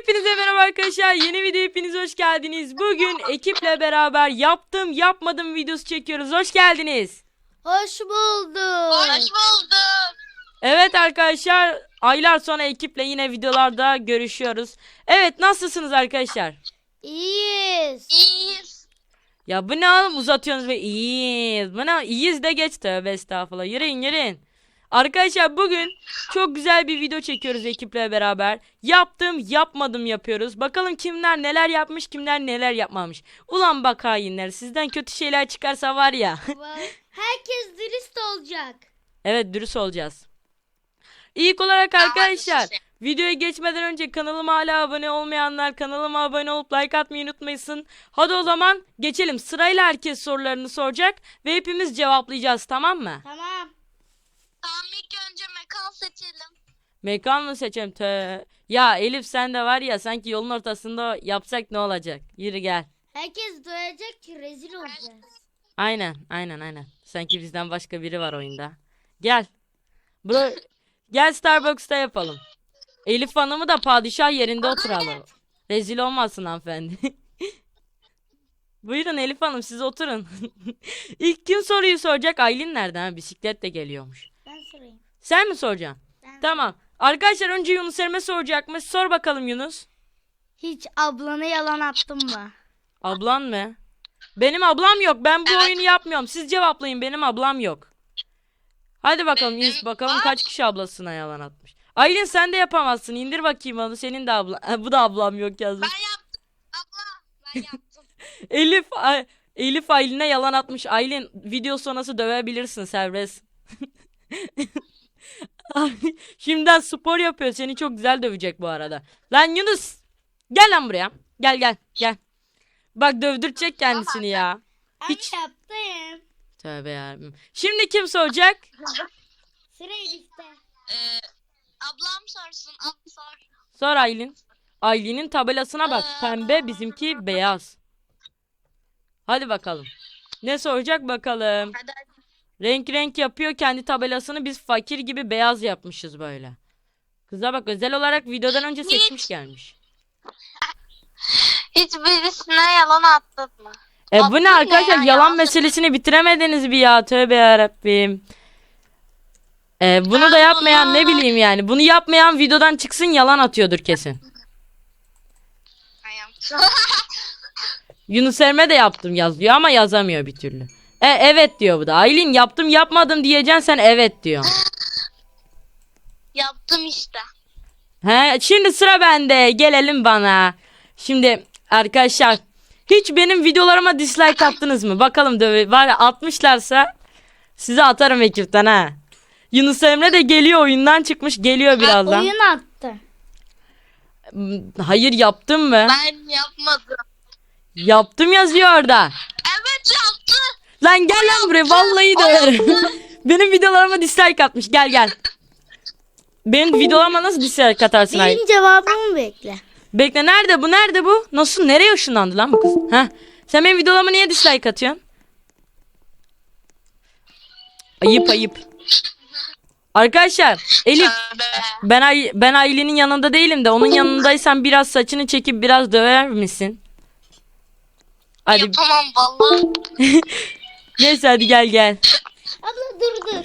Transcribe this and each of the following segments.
Hepinize merhaba arkadaşlar. Yeni video hepiniz hoş geldiniz. Bugün ekiple beraber yaptım yapmadım videosu çekiyoruz. Hoş geldiniz. Hoş bulduk. Hoş bulduk. Evet arkadaşlar, aylar sonra ekiple yine videolarda görüşüyoruz. Evet, nasılsınız arkadaşlar? İyiyiz. İyiyiz. Ya bu ne oğlum, uzatıyorsunuz ve iyiyiz. Bu ne, iyiyiz de geç, tövbe estağfurullah. Yürüyün. Arkadaşlar bugün çok güzel bir video çekiyoruz ekiple beraber. Yaptım yapmadım yapıyoruz. Bakalım kimler neler yapmış, kimler neler yapmamış. Ulan bak hainler, sizden kötü şeyler çıkarsa var ya. Herkes dürüst olacak. Evet, dürüst olacağız. İlk olarak arkadaşlar, Hadi. videoya geçmeden önce kanalıma hala abone olmayanlar kanalıma abone olup like atmayı unutmayın. Hadi o zaman geçelim. Sırayla herkes sorularını soracak ve hepimiz cevaplayacağız, tamam mı? Tamam. Tamam, ilk önce mekan seçelim. Mekan mı seçelim? Ya Elif, sen de var ya, sanki yolun ortasında yapsak ne olacak? Yürü gel. Herkes duyacak ki rezil olacağız. Aynen. Sanki bizden başka biri var oyunda. Gel. Gel Starbucks'ta yapalım. Elif Hanım'ı da padişah yerinde oturalım. Rezil olmasın hanımefendi. Buyurun Elif Hanım, siz oturun. İlk kim soruyu soracak? Aylin nerede? Ha, bisikletle geliyormuş. Ben sorayım. Sen mi soracaksın? Tamam. Arkadaşlar, önce Yunus Emre soracakmış. Sor bakalım Yunus. Hiç ablana yalan attın mı? Ablan mı? Benim ablam yok. Ben bu Evet. oyunu yapmıyorum. Siz cevaplayın. Benim ablam yok. Hadi bakalım. Bakalım var. kaç kişi ablasına yalan atmış. Aylin, sen de yapamazsın. İndir bakayım onu. Senin de ablan. Bu da ablam yok yazmış. Ben yaptım. Abla ben yaptım. Elif Aylin'e yalan atmış. Aylin, video sonrası dövebilirsin, serbest. Şimdiden spor yapıyor. Seni çok güzel dövecek bu arada. Lan Yunus, gel lan buraya. Gel. Bak, dövdürecek kendisini ya. Hiç. Ben yaptım. Tövbe yarabbim. Şimdi kim soracak? Sıra Elif'te. Ablam sorsun. Abla sor. Sor Aylin. Aylin'in tabelasına bak. Pembe, bizimki beyaz. Hadi bakalım. Ne soracak bakalım. Hadi. Renk yapıyor kendi tabelasını. Biz fakir gibi beyaz yapmışız böyle. Kıza bak, özel olarak videodan önce seçmiş gelmiş. Hiçbirisine yalan attın mı? Bu ne arkadaşlar? ya? Yalan Yalan meselesini bitiremediniz bir ya. Tövbe yarabbim. Bunu da yapmayan, ne bileyim yani. Bunu yapmayan videodan çıksın, yalan atıyordur kesin. Ben yaptım. Yunus Emre de yaptım yazıyor ama yazamıyor bir türlü. Evet diyor bu da. Aylin, yaptım yapmadım diyeceksin, sen evet diyor. Yaptım işte. Şimdi sıra bende. Gelelim bana. Şimdi arkadaşlar, hiç benim videolarıma dislike attınız mı? Bakalım, var ya, atmışlarsa size atarım ekipten ha. Yunus Emre de geliyor, oyundan çıkmış, geliyor birazdan. Oyun attı. Hayır, yaptım mı? Ben yapmadım. Yaptım yazıyor orada. Evet yaptı. Lan gel lan buraya, vallahi döverim. Benim videolarıma dislike atmış. Gel. Benim videolarıma nasıl dislike atarsın Aylin? Benim cevabımı bekle. Bekle, nerede bu? Nasıl, nereye ışınlandı lan bu kız? Sen benim videolarıma niye dislike atıyorsun? Ayıp. Arkadaşlar, Elif, Tövbe. ben Aylin'in yanında değilim de onun yanındaysan biraz saçını çekip biraz döver misin? Hadi. Yapamam vallahi. Neyse, hadi gel. Abla dur.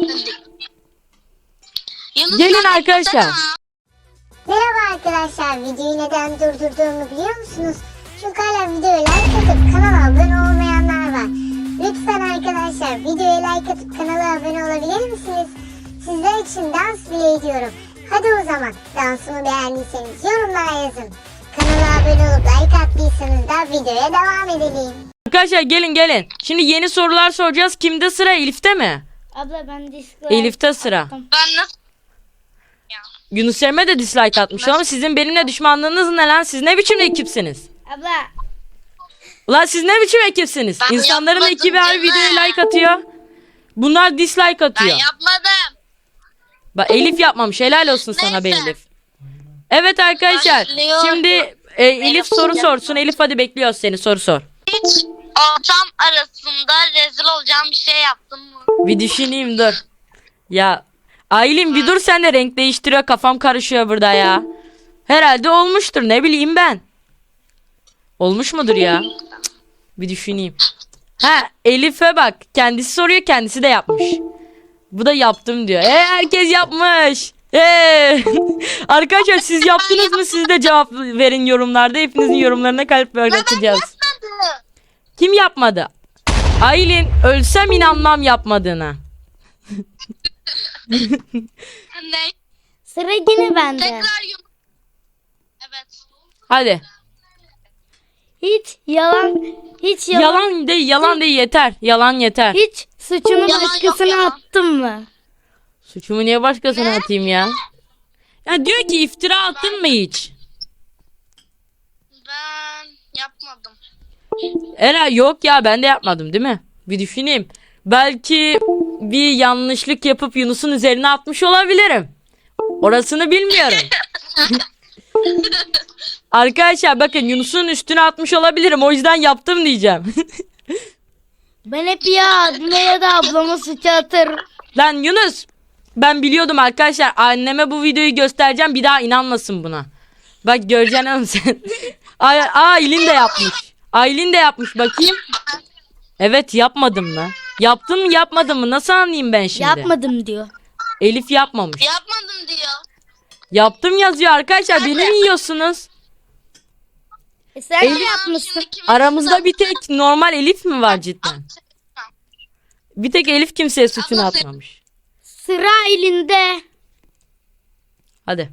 Yunus, Gelin sen arkadaşlar. yapsana. Merhaba arkadaşlar, videoyu neden durdurduğumu biliyor musunuz? Çünkü hala videoya like atıp kanala abone olmayanlar var. Lütfen arkadaşlar, videoya like atıp kanala abone olabilir misiniz? Sizler için dans bile ediyorum. Hadi o zaman dansımı beğendiyseniz yorumlara yazın. Kanala abone olup like attıysanız da videoya devam edelim. Arkadaşlar gelin. Şimdi yeni sorular soracağız. Kimde sıra? Elif'te mi? Abla ben dislike Elif'te sıra. attım. Ben nasıl? Yunus Emre de dislike atmış ama sizin benimle düşmanlığınız ne lan? Siz ne biçim ekipsiniz? Abla Ulan siz ne biçim ekipsiniz? Ben İnsanların yapmadım ekibi her canım. videoya like atıyor. Bunlar dislike Ben atıyor. yapmadım. Bak, Elif yapmamış. Helal olsun sana be Neyse. Elif. Evet arkadaşlar. Başlıyorum. Şimdi Elif soru sorsun. Elif, hadi bekliyoruz seni. Soru sor. Hiç ortam arasında rezil olacağım bir şey yaptın mı? Bir düşüneyim, dur. Ya Aylin bir dur, sen de renk değiştiriyor. Kafam karışıyor burada ya. Herhalde olmuştur, ne bileyim ben. Olmuş mudur ya? Cık, bir düşüneyim. Ha, Elif'e bak. Kendisi soruyor, kendisi de yapmış. Bu da yaptım diyor. Herkes yapmış. Arkadaşlar siz yaptınız mı? Siz de cevap verin yorumlarda. Hepinizin yorumlarına kalp bırakacağız. Kim yapmadı? Aylin, ölsem inanmam yapmadığına. Ne? Sıra yine bende. Tekrar Evet. Hadi. Hiç yalan Yalan değil yeter. Yalan yeter. hiç suçunu Yalan yok, başkasına yalan. attın mı? Suçumu niye başkasına atayım ya? Ya diyor ki iftira attın mı hiç? Ben yapmadım. Ela yok ya, ben de yapmadım değil mi? Bir düşüneyim. Belki bir yanlışlık yapıp Yunus'un üzerine atmış olabilirim. Orasını bilmiyorum. Arkadaşlar bakın, Yunus'un üstüne atmış olabilirim. O yüzden yaptım diyeceğim. Ben hep ya abime ya da ablama suç atırım. Lan Yunus, ben biliyordum arkadaşlar. Anneme bu videoyu göstereceğim, bir daha inanmasın buna. Bak göreceksin oğlum sen. Aylin de yapmış. Aylin de yapmış, bakayım. Evet, yapmadım mı? Yaptın mı yapmadın mı? Nasıl anlayayım ben şimdi? Yapmadım diyor. Elif yapmamış. Yapmadım diyor. Yaptım yazıyor arkadaşlar. Beni mi yiyorsunuz? Sen Elif- de yapmışsın. Şimdi kimin Aramızda bir tek normal Elif mi var cidden? Bir tek Elif kimseye suçunu Abla sen- atmamış. Sıra elinde. Hadi.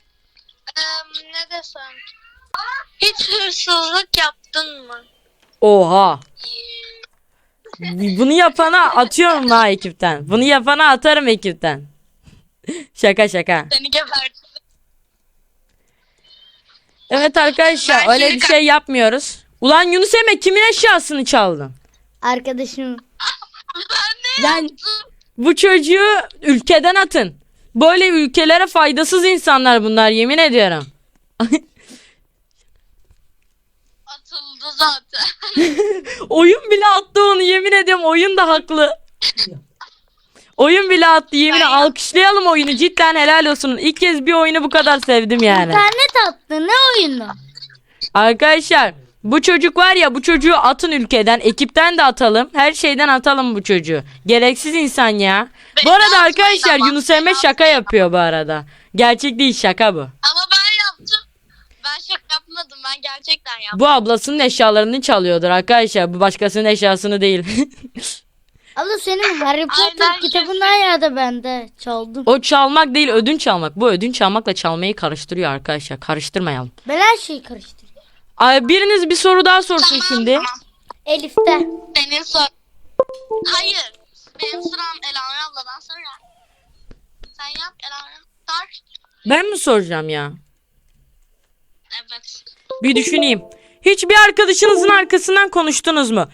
Ne desem? Hiç hırsızlık yaptın mı? Oha. Bunu yapana atıyorum ha ekipten. Bunu yapana atarım ekipten. Şaka şaka. Seni geberdim. Evet arkadaşlar, Ben öyle şimdi bir şey yapmıyoruz. Ulan Yunus Emre, kimin eşyasını çaldın? Arkadaşım. Ben ne Lan yaptım? bu çocuğu ülkeden atın. Böyle ülkelere faydasız insanlar bunlar, yemin ediyorum. Atıldı zaten. Oyun bile attı onu, yemin ediyorum, oyun da haklı. Oyun bile attı, yemin Ben- alkışlayalım oyunu, cidden helal olsun. İlk kez bir oyunu bu kadar sevdim yani. İnternet attı. Ne oyunu? Arkadaşlar bu çocuk var ya, bu çocuğu atın ülkeden, ekipten de atalım, her şeyden atalım bu çocuğu. Gereksiz insan ya. Bu Beni arada atmayın arkadaşlar ama, Yunus Emre beni şaka yapıyor bu arada. Gerçek değil, şaka bu. Ama ben yaptım. Ben şaka yapmadım. Ben gerçekten yaptım. Bu ablasının eşyalarını çalıyordur arkadaşlar, bu başkasının eşyasını değil. Abla senin Harry Potter Aynen. kitabından ya da bende çaldım. O çalmak değil, ödünç almak. Bu ödünç almakla çalmayı karıştırıyor arkadaşlar, karıştırmayalım. Ben her şeyi karıştırıyorum. Ay, biriniz bir soru daha sorsun şimdi. Tamam. Elif'te. Senin sor. Hayır. Benim sıram Elanur abladan sonra. Sen yap Elanur. Sor. Ben mi soracağım ya? Evet. Bir düşüneyim. Hiç bir arkadaşınızın arkasından konuştunuz mu?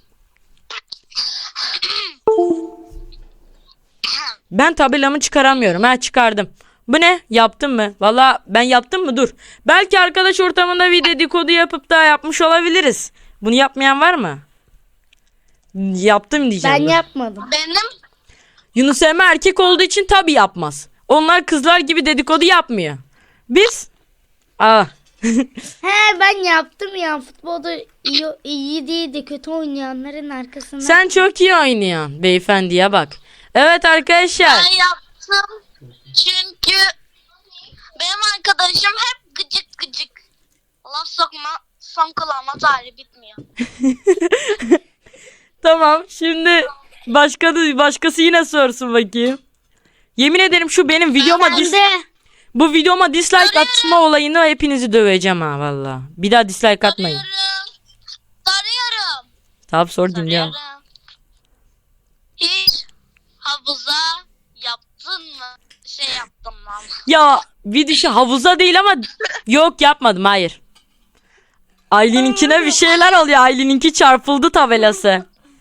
Ben tabelamı çıkaramıyorum. Ha, çıkardım. Bu ne? Yaptın mı? Valla ben yaptım mı? Dur. Belki arkadaş ortamında bir dedikodu yapıp da yapmış olabiliriz. Bunu yapmayan var mı? Yaptım diyeceğim. Ben dur. yapmadım. Benim Yunus Emre erkek olduğu için tabii yapmaz. Onlar kızlar gibi dedikodu yapmıyor. Biz? He ben yaptım ya. Futbolda iyi değildi. Kötü oynayanların arkasından. Sen çok iyi oynuyorsun. Beyefendiye bak. Evet arkadaşlar. ben yaptım. Çünkü benim arkadaşım hep gıcık gıcık. Laf sokma. Son kulağıma tarih bitmiyor. Tamam, şimdi başkası yine sorsun bakayım. Yemin ederim şu benim videoma Ben de. bu videoma dislike atma olayını hepinizi döveceğim ha valla. Bir daha dislike atmayın. Soruyorum. Tamam, sor dinliyorum. Soruyorum. Hiç havuza yaptın mı? Yaptım lan. Ya bir düşü havuza değil ama yok, yapmadım, hayır. Aylin'inkine bir şeyler oluyor. Aylin'inki çarpıldı tabelası.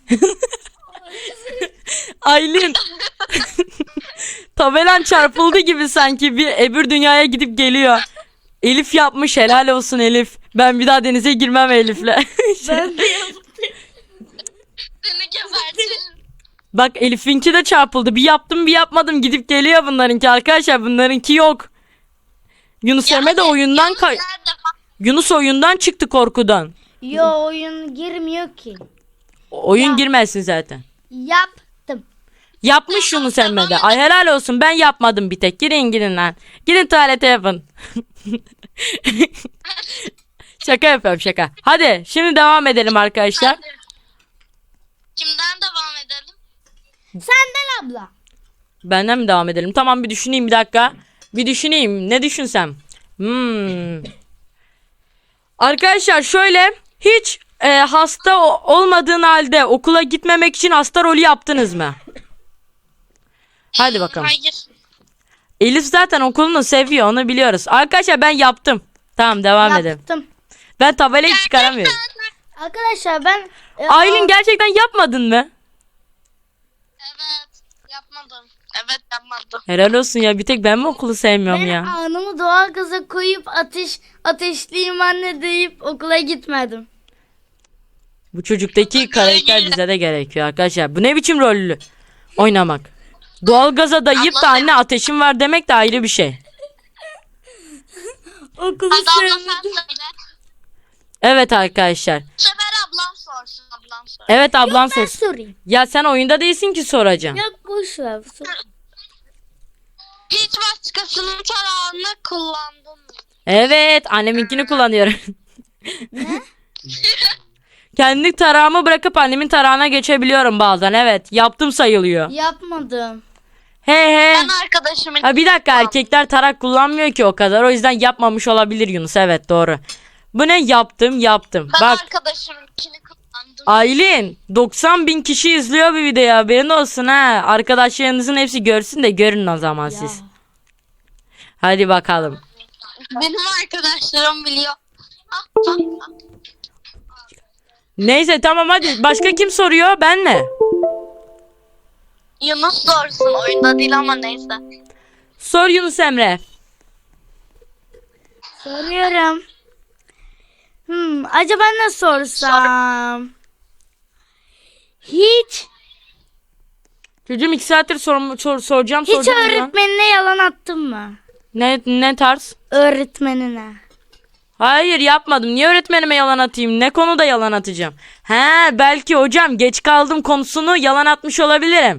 Aylin. Tabelan çarpıldı gibi sanki, bir öbür dünyaya gidip geliyor. Elif yapmış, helal olsun Elif. Ben bir daha denize girmem Elif'le. Ben de yaptım. Seni gebertirim. Bak Elif'inki de çarpıldı. Bir yaptım bir yapmadım, gidip geliyor bunlarınki arkadaşlar. Bunlarınki yok. Yunus Emre de oyundan Yunus oyundan çıktı korkudan. Yo oyun girmiyor ki. Oyun girmezsin zaten. Yaptım. Yapmış Yunus Emre de. Ay helal olsun, ben yapmadım bir tek. Girin lan. Gidin tuvalete yapın. Şaka yapıyorum şaka. Hadi şimdi devam edelim arkadaşlar. Kimden devam edelim? Senden abla. Benden mi devam edelim? Tamam, bir düşüneyim bir dakika. Bir düşüneyim. Ne düşünsem? Arkadaşlar şöyle, hiç hasta olmadığın halde okula gitmemek için hasta rolü yaptınız mı? Hadi bakalım. Hayır. Elif zaten okulunu seviyor, onu biliyoruz. Arkadaşlar ben yaptım. Tamam, devam edelim. Yaptım. Ben tabelayı çıkaramıyorum. Arkadaşlar ben Aylin gerçekten yapmadın mı? Evet. Yapmadım. Evet yapmadım. Helal olsun ya, bir tek ben mi okulu sevmiyorum ben ya? anımı doğalgaza koyup ateşliyim anne deyip okula gitmedim. Bu çocuktaki karakter bize de gerekiyor arkadaşlar. Bu ne biçim rollü oynamak? Doğalgaza dayayıp da anne ateşim var demek de ayrı bir şey. Okulu Hadi abla sevmedim. sen söyle. Evet arkadaşlar. Bu sefer ablam sorsun. Ablam sorsun. Evet, ablan Ben sorsun. sorayım. Ya sen oyunda değilsin ki soracağım. Yok boş ver. Sor. Hiç başkasının tarağını kullandın mı? Evet, anneminkini kullanıyorum. Kendi tarağımı bırakıp annemin tarağına geçebiliyorum bazen. Evet, yaptım sayılıyor. Yapmadım. He he. Ben arkadaşımın... Ha bir dakika, erkekler tarak kullanmıyor ki o kadar. O yüzden yapmamış olabilir Yunus. Evet, doğru. Bu ne? Yaptım. Ben Bak arkadaşımınkini kullandım. Aylin, 90.000 kişi izliyor bu videoyu, haberin olsun ha. Arkadaşlarınızın hepsi görsün de görün o zaman siz. Hadi bakalım. Benim arkadaşlarım biliyor. Neyse tamam, hadi. Başka kim soruyor? Ben mi? Yunus sorsun. Oyunda değil ama neyse. Sor Yunus Emre. Soruyorum. Acaba ne sorsam? Hiç Çocuğum 2 saattir soracağım. hiç öğretmenine yalan attın mı? Ne tarz? Öğretmenine. Hayır, yapmadım. Niye öğretmenime yalan atayım? Ne konuda yalan atacağım? He, belki hocam geç kaldım konusunu yalan atmış olabilirim.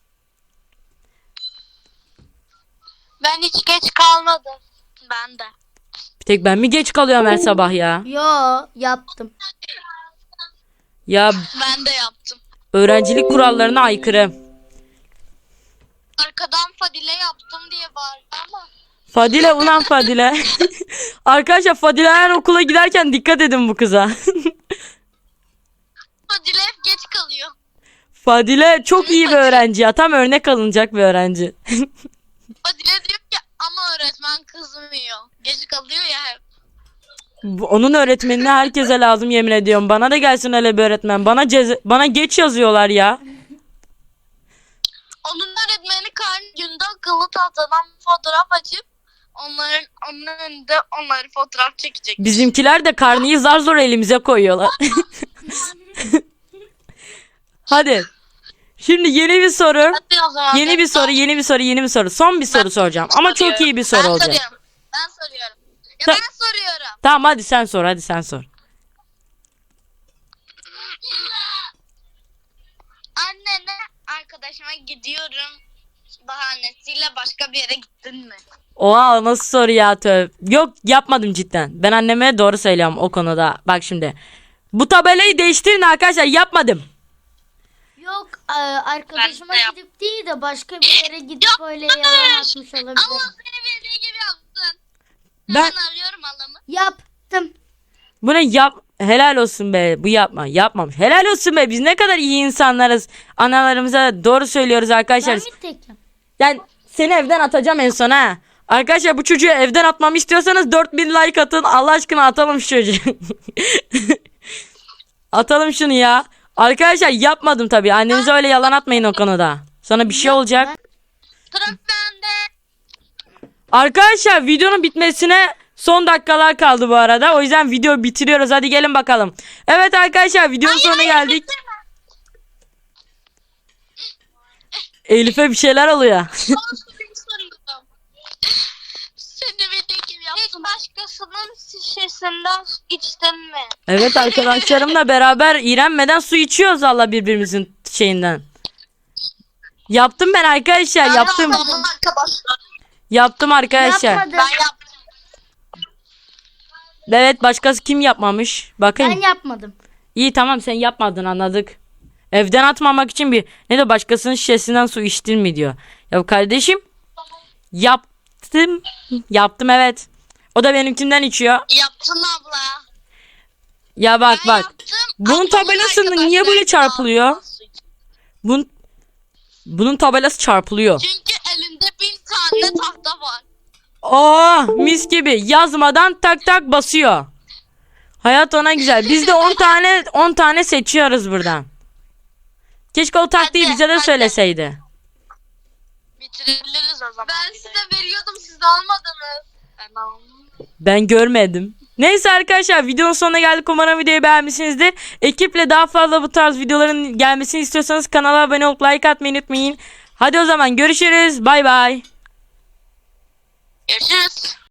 Ben hiç geç kalmadım. Ben de. Bir tek ben mi geç kalıyorum her sabah ya? Yo yaptım. Ya Ben de yaptım. öğrencilik kurallarına aykırı. Arkadan Fadile yaptım diye bağırdı ama. Fadile, ulan Fadile. Arkadaşlar Fadile her okula giderken dikkat edin bu kıza. Fadile hep geç kalıyor. Fadile çok iyi bir öğrenci ya. Tam örnek alınacak bir öğrenci. Fadile diyor ki ama öğretmen kızmıyor. Geç kalıyor ya hep. Onun öğretmenine herkese lazım, yemin ediyorum. Bana da gelsin öyle bir öğretmen. Bana geç yazıyorlar ya. Onun öğretmeni karnı günde akıllı tahtadan fotoğraf açıp onun önünde onları fotoğraf çekecek. Bizimkiler de karneyi zar zor elimize koyuyorlar. Hadi. Şimdi yeni bir soru. Hadi o zaman. Yeni bir soru. Son bir soru soracağım. Ama çok iyi bir soru olacak. Ben soruyorum. Ya Ta- ben soruyorum. Tamam, hadi sen sor. Annene arkadaşıma gidiyorum bahanesiyle başka bir yere gittin mi? Oha, nasıl soru ya, Yok, yapmadım cidden. Ben anneme doğru söylüyorum o konuda. Bak şimdi. Bu tabelayı değiştirin arkadaşlar, yapmadım. Yok arkadaşıma Ben de gidip değil de başka bir yere gidip öyle yalan atmış olabilir. Allah seni bildiği gibi yaptın. Ben Ben arıyorum halamı. Yaptım. bunu helal olsun be, bu yapmamış. Helal olsun be, biz ne kadar iyi insanlarız. Analarımıza doğru söylüyoruz arkadaşlar. Ben mi tekim? Yani seni evden atacağım en son ha. Arkadaşlar bu çocuğu evden atmamı istiyorsanız 4000 like atın. Allah aşkına atalım şu çocuğu. Atalım şunu ya. Arkadaşlar yapmadım tabii. Annenize öyle yalan atmayın o konuda. Sonra bir şey olacak. Sıra bende. Arkadaşlar videonun bitmesine son dakikalar kaldı bu arada. O yüzden video bitiriyoruz. Hadi gelin bakalım. Evet arkadaşlar, videonun sonuna geldik. Elif'e bir şeyler oluyor. Soruyorum. Seni bildiği gibi başkasının şişesinden içtin mi? Evet, arkadaşlarımla beraber iğrenmeden su içiyoruz valla birbirimizin şeyinden. Yaptım ben arkadaşlar, yaptım. Arkadaşlar. Yaptım arkadaşlar. Yapmadım. Ben yaptım. Evet, başkası kim yapmamış? Bakayım. Ben yapmadım. İyi, tamam, sen yapmadın, anladık. Evden atmamak için ne de başkasının şişesinden su içtin mi diyor. Ya kardeşim, yaptım. Yaptım, evet. O da benimkinden içiyor. Yaptın abla. Ya bak Ben bak. yaptım. Bunun Ablamın tabelası niye arkadaşları böyle da çarpılıyor? aldı. Bunun tabelası çarpılıyor. Çünkü elinde 1000 tane tahta var. Oh, mis gibi, yazmadan tak tak basıyor. Hayat ona güzel. Biz de 10 tane seçiyoruz buradan. Keşke o taktiği Hadi, bize de hadi. söyleseydi. Bitirebiliriz o zaman. Ben size veriyordum, siz almadınız. Ben aldım. Ben görmedim. Neyse arkadaşlar, videonun sonuna geldik. Umarım videoyu beğenmişsinizdir. Ekiple daha fazla bu tarz videoların gelmesini istiyorsanız kanala abone olup like atmayı unutmayın. Hadi o zaman görüşürüz. Bay bay. Görüşürüz.